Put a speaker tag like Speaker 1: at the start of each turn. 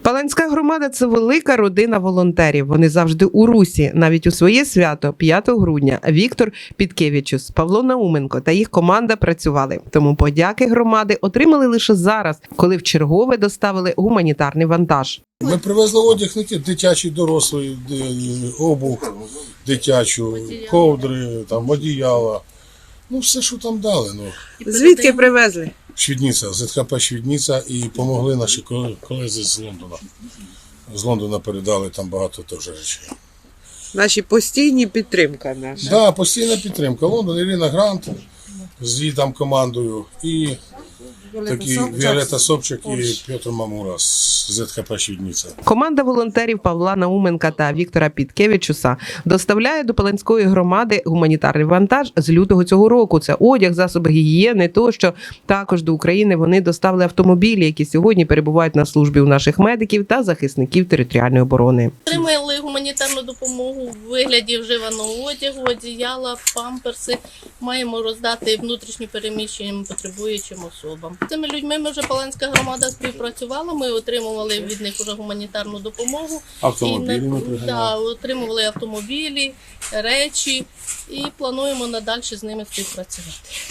Speaker 1: Паланська громада – це велика родина волонтерів. Вони завжди у русі, навіть у своє свято, 5 грудня. Віктор Підкевичус, Павло Науменко та їх команда працювали. Тому подяки громади отримали лише зараз, коли вчергове доставили гуманітарний вантаж.
Speaker 2: Ми привезли одяг, не тільки дитячий, дорослий, обув дитячу, ковдри, там, одіяла. Ну, все, що там дали. Ну.
Speaker 1: Звідки привезли?
Speaker 2: Швідниця, ЗХП Швідниця, і допомогли наші колезі з Лондона. З Лондона передали там багато теж речей.
Speaker 1: Наші постійні підтримка наша.
Speaker 2: Так, да, постійна підтримка. Лондон, Ірина Грант з її там командою, і такі Віолетта Собчак і Петр Мамура з ЗХП Швідниця.
Speaker 1: Команда волонтерів Павла Науменка та Віктора Підкевичуса доставляє до Паланської громади гуманітарний вантаж з лютого цього року. Це одяг, засоби гігієни тощо. Також до України вони доставили автомобілі, які сьогодні перебувають на службі у наших медиків та захисників територіальної оборони.
Speaker 3: Отримали гуманітарну допомогу в вигляді вживаного одягу, одіяла, памперси. Маємо роздати внутрішньо переміщеним потребуючим особам. З цими людьми ми вже Паланська громада співпрацювала, ми отримували від них вже гуманітарну допомогу.
Speaker 2: Автомобілі ми пригнали.
Speaker 3: Да, отримували автомобілі, речі і плануємо надалі з ними співпрацювати.